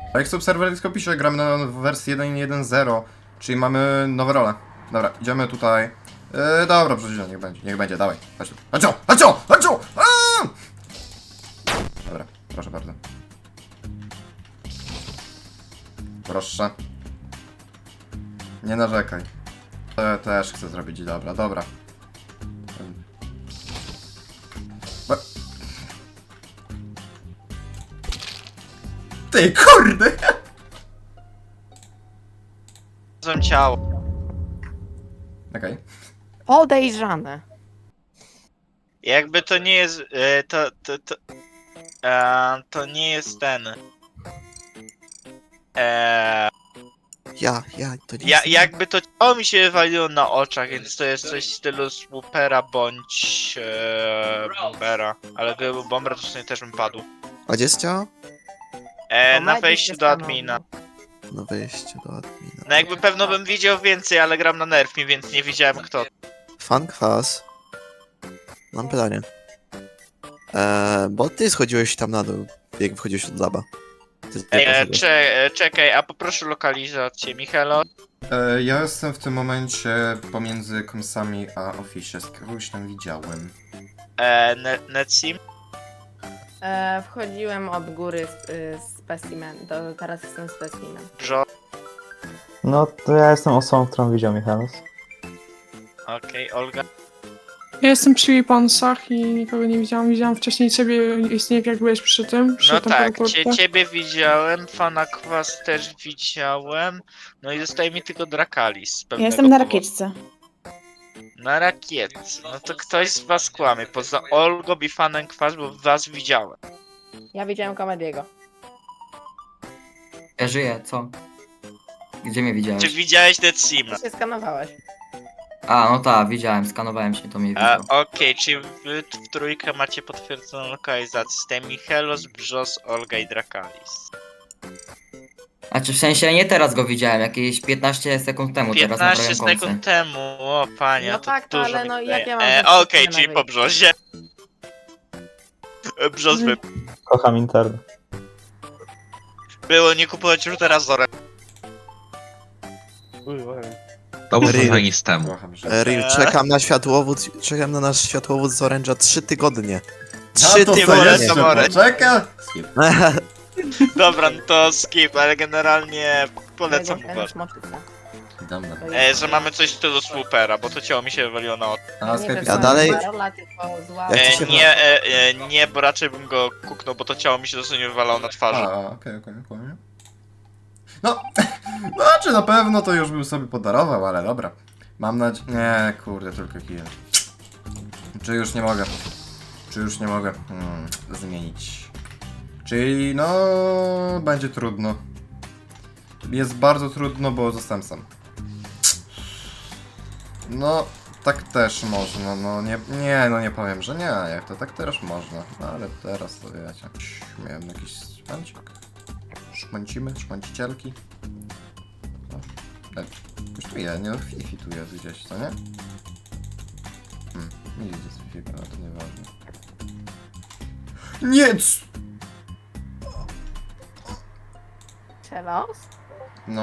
A jak Subserver tylko pisze, gramy na wersji 1.1.0, czyli mamy nowe role. Dobra, idziemy tutaj. Dobra, przecież niech będzie, dawaj. Chodź tu. Chodź tu! Dobra, proszę bardzo. Proszę. Nie narzekaj. To też chcę zrobić, dobra. Ty, kurde! Znalazłem ciało. Okej. Podejrzane. Jakby to nie jest. To nie jest ten. To nie jest... Jakby to ciało mi się waliło na oczach, więc to jest coś w stylu swoopera bądź bombera. Ale gdyby był bomber, to w sumie też bym padł. A gdzie jest ciało? Na wejściu do admina. Na wejściu do admina. No jakby pewno bym widział więcej, ale gram na nerfie, więc nie widziałem kto. Fan kwas. Mam pytanie. Bo ty schodziłeś tam na dół, jak wchodziłeś od laba. Ty poszedłeś. Czekaj, a poproszę lokalizację, Michalo. Ja jestem w tym momencie pomiędzy komsami a office. Kogoś tam widziałem. Netsim. Wchodziłem od góry specimen, teraz jestem specimen. Jo. No to ja jestem osobą, którą widział Michalos. Okej, Olga. Ja jestem przy Weaponsach i nikogo nie widziałam. Widziałam wcześniej ciebie, istnieje jak byłeś przy tym. Przy No tym tak, teleporcie. ciebie widziałem, Fana Kwas też widziałem. No i zostaje mi tylko Drakalis. z Ja pewnego jestem na powodu. rakietce. Na rakietce. No to ktoś z was kłamie. Poza Olgą i Fanem Kwas, bo was widziałem. Ja widziałem Komediego. Ja żyję, co? Gdzie mnie widziałeś? Czy widziałeś Netsima? Ty się skanowałeś. A, no tak, widziałem, skanowałem się, to mnie widział. Okej, czy wy w trójkę macie potwierdzoną lokalizację? Jestem Michelos, Brzos, Olga i Drakalis. Znaczy w sensie nie teraz go widziałem, jakieś 15 sekund temu, teraz 15 naprawiam sekund końce. temu, o panie, No to tak, dużo ale mi no daje. jak ja mam Okej, zapisane czyli na po Brzozie. Brzos by Kocham internet. było nie kupować już teraz Zorem. To było Real. fajnie z temu. Kocham, że... Real, czekam na nasz światłowód z Orange'a 3 tygodnie. A 3 to ty co wolę jeszcze samorę. poczeka? Skip. Dobra, no to skip, ale generalnie polecam mu Ten bardzo. szmoczyca. Dobra. To jest- Że mamy coś w stylu swoopera, bo to ciało mi się wywaliło na oczy. A, Nie Skype wiem, Ja co dalej- jest rola, tylko zła. Jak ci się Nie, bo raczej bym go kuknął, bo to ciało mi się dosłownie wywalało na twarzy. Okej. No, znaczy na pewno to już bym sobie podarował, ale dobra. Mam nadzieję... Nie, kurde, tylko kill. Czy już nie mogę? Zmienić. Czyli no... będzie trudno. Jest bardzo trudno, bo zostałem sam. No, tak też można, no nie powiem, że nie, jak to tak też można. No ale teraz to wiecie. Miałem jakiś szmancik. Szmancicielki. Kosztuje, nie? Fifi tu jest gdzieś, co nie? Nie widzę z Fifi, ale to nieważne. Nie! Przelos? No.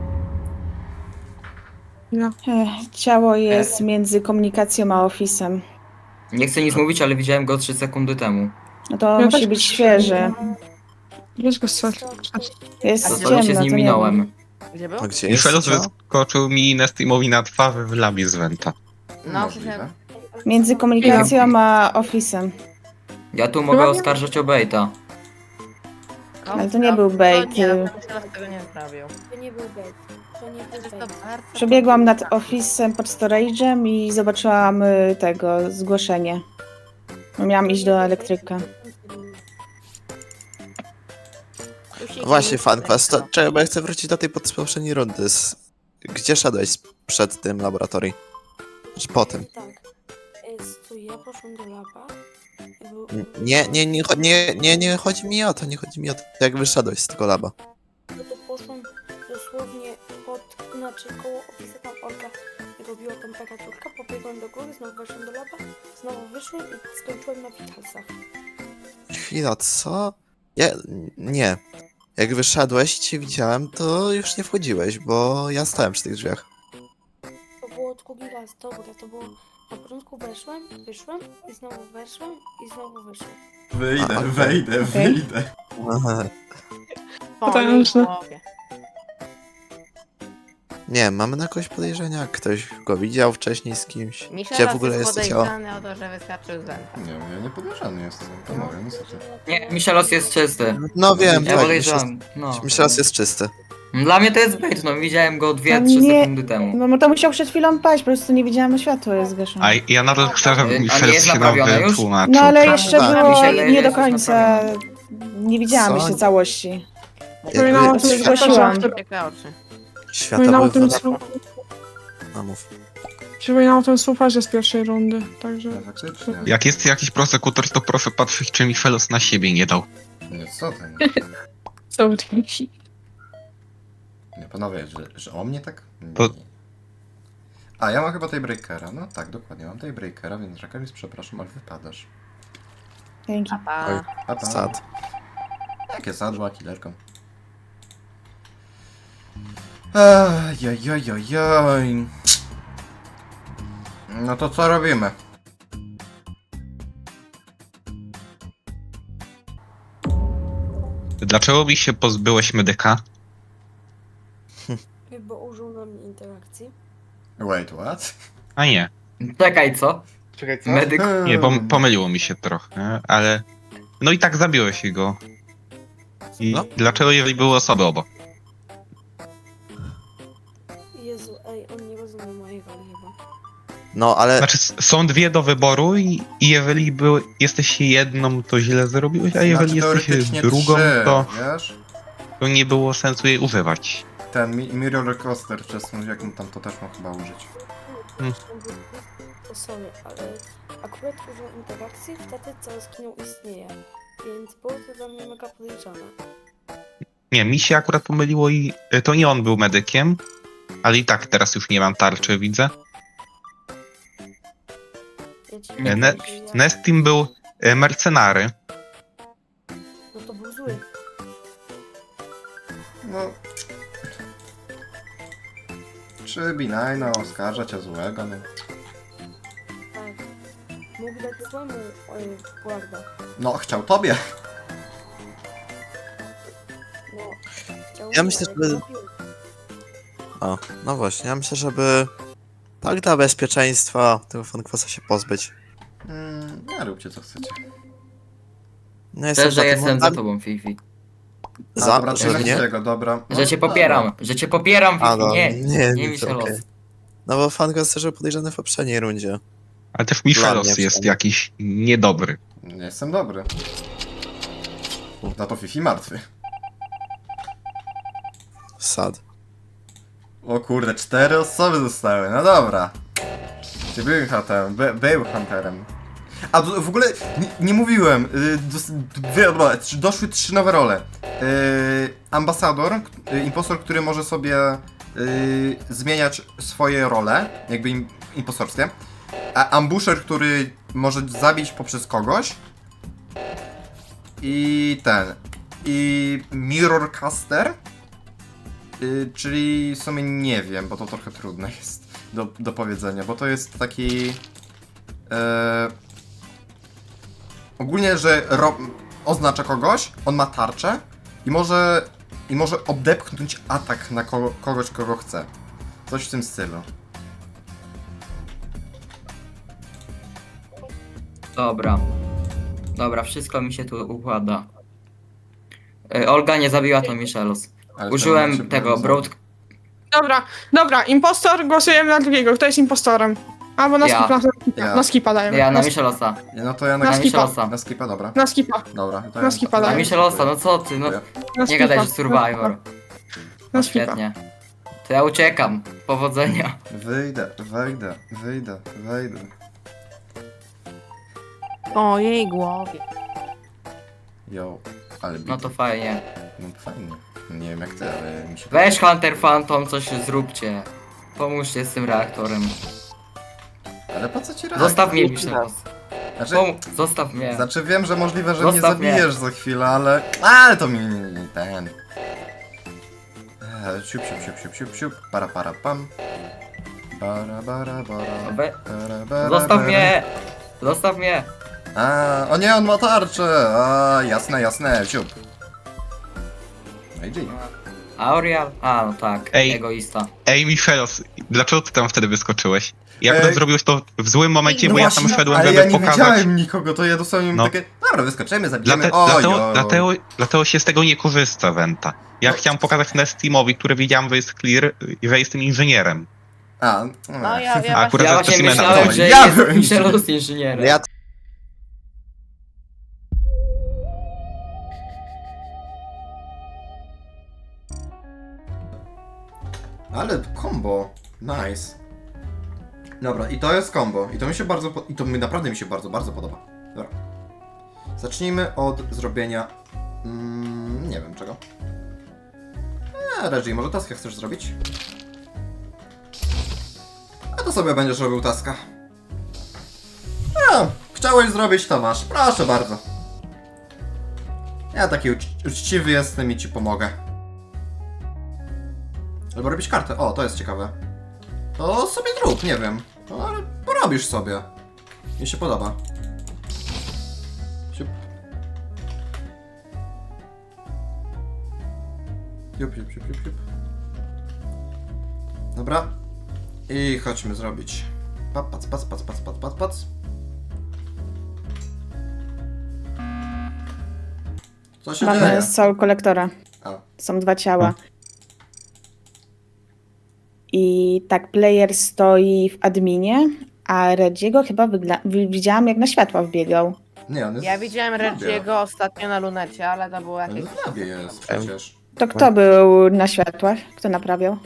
No. Ciało jest między komunikacją a ofisem. Nie chcę nic mówić, ale widziałem go 3 sekundy temu. No to Ja musi też- być świeże. Weź go strzelć. Jest A To się ciemno, z nim to nie minąłem. wiem. Gdzie był? A gdzie jest Michelos ciało? wyskoczył mi Nestimowi na twarz w labie z Venta. No, Możliwe. Między komunikacją a ofisem. Ja tu mogę oskarżać o baita. Ale to nie był bait. Nie, no, Przelos tego nie zrobił. To nie był bait. To nie był To bait. bardzo... Przebiegłam nad ofisem pod storage'em i zobaczyłam tego zgłoszenie. Miałam iść do elektryka. Właśnie, fan kwas, to czekaj, bo ja chcę wrócić do tej poprzedniej rundy. Gdzie szedłeś przed tym laboratorium? Czy po tym? Tak. Stój, ja poszłam do laba. Był... Nie chodzi mi o to, jak wyszedłeś z tego laba. No to poszłam dosłownie znaczy koło ofisu tam Olga robiła temperaturkę, pobiegłam do góry, znowu weszłam do laba, znowu wyszłam i skończyłem na Vitalsach. Chwila, co? Nie. Jak wyszedłeś i cię widziałem, to już nie wchodziłeś, bo ja stałem przy tych drzwiach. To było drugi raz, dobra, to było... Na początku weszłem, wyszłem i znowu weszłem i znowu wyszłem. Wyjdę, A, okej. wejdę, wyjdę. Aha. Po Potężne. jej głowie. Nie, mamy na kogoś podejrzenia? Ktoś go widział wcześniej z kimś? Michel Gdzie w ogóle jest jest to ciało? podejrzany o to, że wyskoczył z węta. Nie, ja nie podejrzany jestem, to mówię, niestety. Nie, Michelos jest czysty. No wiem, Ja tak. podejrzewam. No. Myślałem, jest czysty. Dla mnie to jest bait, no widziałem go 2-3 Nie. sekundy temu. No to musiał przed chwilą paść, po prostu nie widziałem, światło jest zgaszone. A ja nadal chcę, żeby A nie Michel jest się naprawione nam już? wytłumaczył. No ale Tak, jeszcze tak. było Michele, nie do jest końca. naprawione. Nie widziałam Co? jeszcze całości. Przypominam o Jakby tym, Zgłosiłam. że Ciekawe oczy. świata Przypominam o były tym, w No mów. przypominam o tym słuparze z pierwszej rundy, także... No, faktycznie. Jak jest jakiś prosekutor, to proszę patrzeć, czy Michelos na siebie nie dał. Nie, co ty? Nie, Co nie panowie, że o mnie tak? To- Nie. A, ja mam chyba tej breakera. No tak, dokładnie, mam tej breakera, więc Rakaris, przepraszam, ale wypadasz. Dzięki. A, A tam. Sad. Jakie sadła, killerką. Jaj. No to co robimy? Dlaczego mi się pozbyłeś medyka? Bo użył na mnie interakcji. Wait, what? A nie. Czekaj, co? Czekaj, co? Medyk. Nie, pomyliło mi się trochę, ale... No i tak zabiłeś go. I No. dlaczego, jeżeli były osoby obok? Jezu, ej, on nie rozumie mojej roli chyba. No ale Znaczy, są dwie do wyboru i jeżeli jesteś jedną, to źle zrobiłeś, a jeżeli Znaczy, jesteś teoretycznie drugą, trzy, to wiesz? nie było sensu jej używać. Ten Mirror Coaster wczesny, jak mu tam to też ma chyba użyć. To sorry, ale akurat użył interakcji, wtedy cały skinął istnieje. Więc było to dla mnie mega podejrzane. Nie, mi się akurat pomyliło i to nie on był medykiem, ale i tak teraz już nie mam tarczy, widzę. Ja ci Ne- powiem, że ja... Nestim był mercenary. No to był zły. No... Czy Binajno oskarża cię złego, no. Tak. Mógł dać złemu guarda. No, chciał tobie. No, chciał Ja mi, myślę, ale że- go zabił. O, no właśnie, ja myślę, żeby tak dla bezpieczeństwa tego fankwasa się pozbyć. Nie róbcie co chcecie. No jestem Też, że za tym, jestem za mam- tobą, Fifi. A, Za, dobra, że to mnie? tego, dobra. Że cię popieram, że cię popieram, A, Fifi, no, nie, nie, nie to Michelos. okej. No bo fankwas też był podejrzany w poprzedniej rundzie. Ale też Dla Michelos mnie jest przynajmniej. jakiś niedobry. Nie jestem dobry. Za to Fifi martwy. Sad. O kurde, 4 osoby zostały, no dobra. Czy był hunterem? Był hunterem. A w ogóle nie mówiłem, doszły 3 nowe role. Ambasador, impostor, który może sobie zmieniać swoje role, jakby impostorskie. A ambusher, który może zabić poprzez kogoś. I Mirror Caster. Czyli w sumie nie wiem, bo to trochę trudne jest do powiedzenia, bo to jest taki... ogólnie, że oznacza kogoś, on ma tarczę i może odepchnąć atak na kogoś, kogo chce. Coś w tym stylu. Dobra. Dobra, wszystko mi się tu układa. Olga nie zabiła, to Michelos. Ale w tym Użyłem momencie tego, byłem broad... Dobra, impostor, głosujemy na drugiego. Kto jest impostorem? Albo na Ja. skipa, Ja. na skipa dajemy. Ja na Michelosa. No to ja Na na Na skipa. Michelosa. Na skipa, dobra. Na skipa, Dobra, to Na skipa Na daj. Michelosa, no co ty, no na nie skipa. gadaj, że Survivor. Na No skipa. świetnie. To ja uciekam. Powodzenia. Wyjdę. Po jej głowie. Yo, ale No to fajnie. No fajnie. Nie wiem jak ty, ale mi się Weź Hunter Phantom, coś zróbcie. Pomóżcie z tym reaktorem. Ale po co ci reaktor? Zostaw mnie Michelos. Znaczy, Zostaw mnie. znaczy wiem, że możliwe, że mnie Zostaw mnie. zabijesz za chwilę, ale... Ale to mi ten... Siup, siup, siup, siup, siup, siup, para, pam. Bara, bara, bara, We- bara, bara, Zostaw bara. mnie! Zostaw mnie! A, o nie, on ma tarczę! A, jasne, jasne, siup. No i G. Aurial? A, no tak, Ej. egoista. Ej, Michelos, dlaczego ty tam wtedy wyskoczyłeś? Ja akurat Ej. zrobiłeś to w złym momencie, No bo ja właśnie, tam szedłem, ale żeby ja nie pokazać... widziałem nikogo, to ja dosłownie No. takie... Dobra, wyskoczymy, zabijemy, oj, Dlatego się z tego nie korzysta, Wenta. Ja No. chciałem pokazać na Steamowi, który widziałem, że jest clear i że jestem inżynierem. A, No ja A właśnie... akurat Ja za właśnie specimena myślałem, wychodzi. że Ja jest byłem Michelus inżynierem. Ja Ale combo, nice. Dobra, i to jest combo. I to mi się bardzo, i to naprawdę mi się bardzo, bardzo podoba. Dobra. Zacznijmy od zrobienia... nie wiem czego. Reggie, może taskę chcesz zrobić? A to sobie będziesz robił taska. A, chciałeś zrobić, to masz. Proszę bardzo. Ja taki uczciwy jestem i ci pomogę. Albo robić kartę. O, to jest ciekawe. To sobie zrób, nie wiem. No, ale porobisz sobie. Mi się podoba. Siup. Siup, siup, siup, siup, siup. Dobra. I chodźmy zrobić. Pac, pac, pac, pac, pac, pac, pac, pac. Co się dzieje? Mamy soul kolektora. A. Są 2 ciała. I tak, player stoi w adminie, a Redziego chyba widziałam jak na światła wbiegał. Nie, on jest Ja widziałem w labie. Reggie'ego ostatnio na lunecie, ale to było On jakieś... jest w labie jest przecież. To kto był na światłach? Kto naprawiał?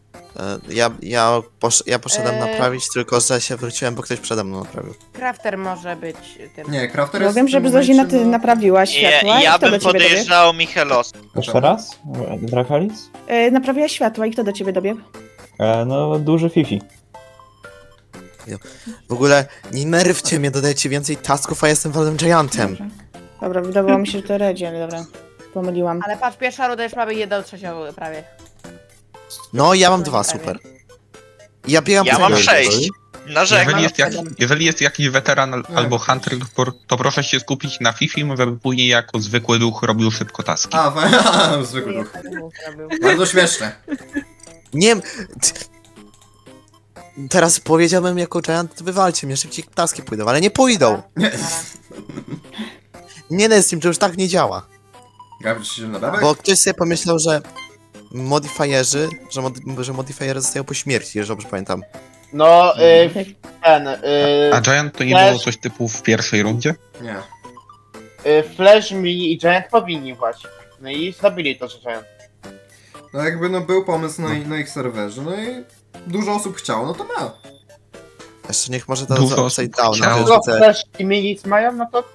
ja poszedłem Eee. naprawić, tylko że się wróciłem, bo ktoś przede mną naprawił. Crafter może być tym. Nie, Crafter Bo jest wiem, w że tym Zozina momencie, ty no- naprawiła światła. Ja i kto do bym ciebie dobiegł? podejrzał Michelos. Jeszcze raz? Drakalis? Naprawiła światła i kto do ciebie dobiegł? No, duży Fifi. W ogóle nie nerwcie mnie, dodajcie więcej tasków, a jestem Walem Giantem. Dobra. Dobra, wydawało mi się, że to Redzi, ale dobra. Pomyliłam. Ale patrz, pierwsza ruda już mamy 1/3 prawie. No, ja mam 2, super. Ja biegam Ja po mam całej 6. Narzekam. Jeżeli jest jakiś weteran albo hunter, to proszę się skupić na Fifim, żeby później jako zwykły duch robił szybko taski. A, zwykły duch. Bardzo śmieszne. Nie wiem. Teraz powiedziałbym jako Giant, to wywalcie mnie, szybciej taski pójdą, ale nie pójdą. Nie. Nie no, z tym, że już tak nie działa. Gabriel się na bebek? Bo ktoś sobie pomyślał, że modifierzy, że modifiery zostają po śmierci, jeżeli dobrze pamiętam. No, A Giant to nie Flash- było coś typu w pierwszej rundzie? Nie. Flash, Mini i Giant powinni właśnie. No i zrobili to, że Giant. No jakby no był pomysł na ich serwerze, no i dużo osób chciało, no to ma. Jeszcze niech może to Dużo za osób upside down, chciało. ale Tylko że te, Flash i Mini mają, no to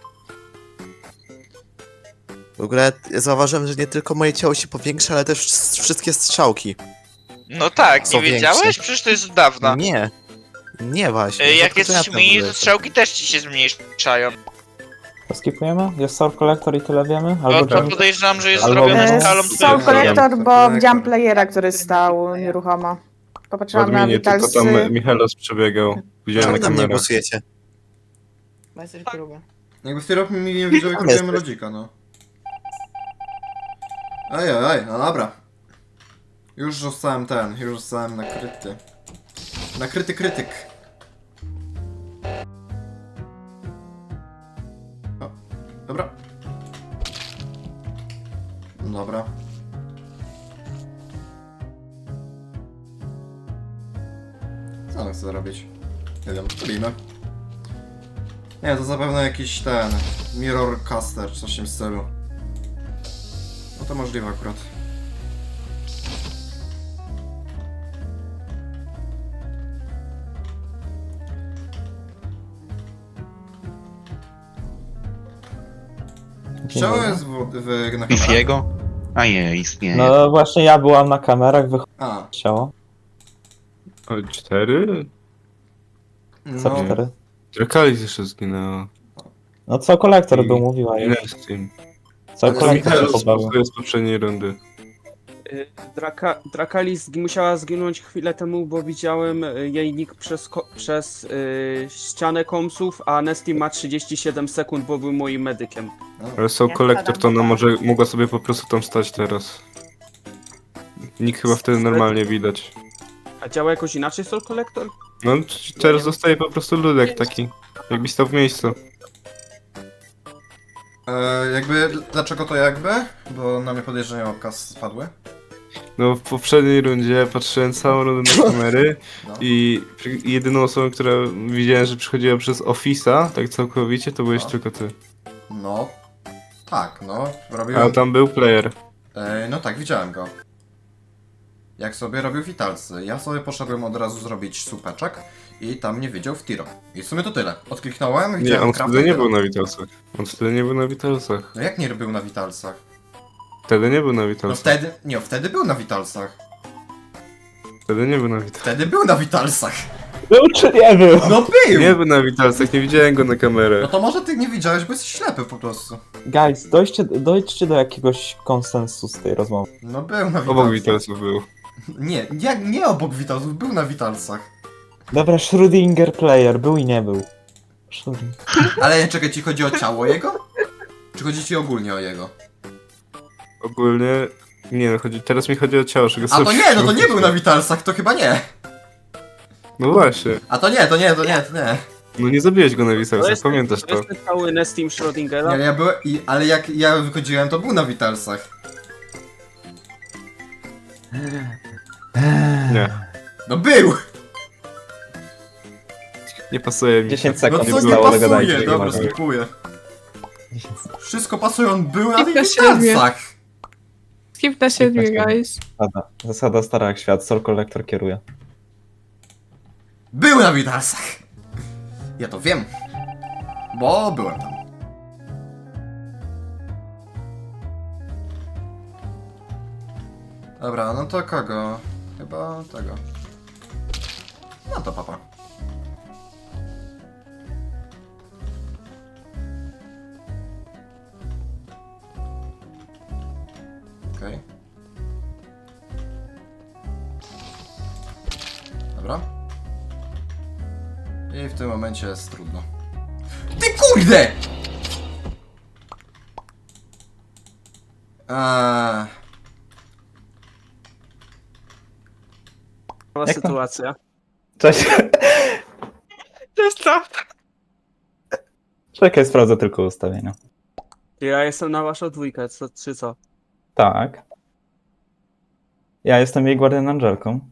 w ogóle zauważyłem, że nie tylko moje ciało się powiększa, ale też wszystkie strzałki. No tak, Są nie wiedziałeś? większe. Przecież to jest od dawna. Nie. Nie właśnie. Jak Rzadko jesteś to ja mniej, tam to strzałki też ci się zmniejszają. To skipujemy? Jest Soul Collector i tyle wiemy? No Albo to Jump... podejrzewam, że jest Albo zrobione no, skalą Soul tylko. kolektor, bo Tak. widziałam playera, który stał nieruchomo. Popatrzyłam na Vitalsy. Michelos przebiegał. Widziałem Czemu na na mnie kamerach. głosujecie? Bo jesteś gruby. Jakby w tej roku mi nie wiedział, jak Tam robiłem jesteś. lodzika, no. Ej, no dobra. Już zostałem nakryty. Nakryty krytyk. O, dobra. Dobra. Co on chce robić? Nie wiem, robimy. Nie, to zapewne jakiś mirror caster, coś w tym stylu. No to możliwe akurat. Ciało jest na kamerach? Fifiego? A nie, istnieje. No właśnie ja byłam na kamerach, A, ciało. O, 4? Co no, 4? Drakalis jeszcze zginęło. No co kolektor I- był, mówiła I już. Nestim. Co Ale kolektor się Michael pobawił. to z poprzedniej rundy. Drakalis musiała zginąć chwilę temu, bo widziałem jej nick przez ścianę komsów, a Nesty ma 37 sekund, bo był moim medykiem. Ale są Ja kolektor, to ona wkładam może mogła sobie po prostu tam stać teraz. Nikt chyba wtedy normalnie widać. A działa jakoś inaczej Soul Collector? No teraz zostaje po prostu ludek taki. Jakbyś stał w miejscu. Dlaczego to jakby? Bo na mnie podejrzenia oka spadły. No w poprzedniej rundzie patrzyłem całą rundę na kamery No. i jedyną osobą, która widziałem, że przychodziła przez Office'a, tak całkowicie, to byłeś No. tylko ty. No. Tak, no. A Robiłem... tam był player. No tak, widziałem go. Jak sobie robił witalcy. Ja sobie poszedłem od razu zrobić supeczek i tam nie wiedział w tiro. I w sumie to tyle. Odkliknąłem, Nie, widziałem on Crafta wtedy i nie tyle. był na Witalsach. On wtedy nie był na Witalsach. No jak nie był na witalcach? Wtedy nie był na No Witalsach. wtedy... Nie, wtedy był na witalcach. Wtedy nie był na Witalsach. Wtedy był na witalcach. Był czy nie był? No był! Nie był na Witalsach, nie widziałem go na kamerę. No to może ty nie widziałeś, bo jesteś ślepy po prostu. Guys, dojdźcie do jakiegoś konsensu z tej rozmowy. No był na witalcach. Obok Witalsów był. Nie obok witalców, był na witalcach. Dobra, Schrödinger player, był i nie był. Schrödinger. Ale czekaj, ci chodzi o ciało jego? Czy chodzi ci ogólnie o jego? Ogólnie... Nie no, teraz mi chodzi o ciało, czego A to nie, no to nie był na witalcach, to chyba nie. No właśnie. A to nie. No nie zabiłeś go na To Witalsach, jest, pamiętasz to to? jest ten cały Nestim Schrödingera. Nie, ja byłem, ale jak ja wychodziłem, to był na witalsach. Nie. No był! Nie pasuje mi. 10 No sekund co nie zostało, pasuje? dogadajcie. Dobra, skipuję. 10 sekund. Wszystko pasuje, on był na Skip tych na siebie. witalcach. Skip na 7, guys. Zasada stara jak świat, Soul Collector kieruje. Był na witalsach. Ja to wiem. Bo byłem tam. Dobra, no to kogo? Chyba tego. No to papa. Okej. Dobra. I w tym momencie jest trudno. Ty kurde! Cała Jak to? sytuacja. Cześć. To jest prawda. Czekaj, sprawdzę tylko ustawienia. Ja jestem na waszą dwójkę, czy co? Tak. Ja jestem jej Guardian Angelką.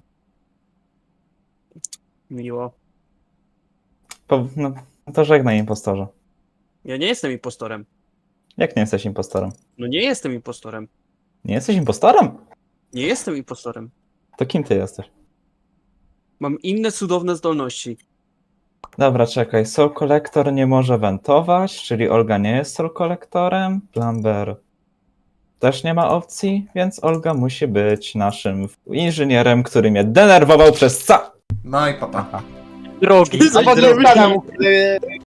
Miło. No to żegnaj, impostorze. Ja nie jestem impostorem. Jak nie jesteś impostorem? No nie jestem impostorem. Nie jesteś impostorem? Nie jestem impostorem. To kim ty jesteś? Mam inne cudowne zdolności. Dobra, czekaj. Soul Collector nie może wentować, czyli Olga nie jest Soul Collectorem. Plumber też nie ma opcji, więc Olga musi być naszym inżynierem, który mnie denerwował przez No i papa. Drogi. A potem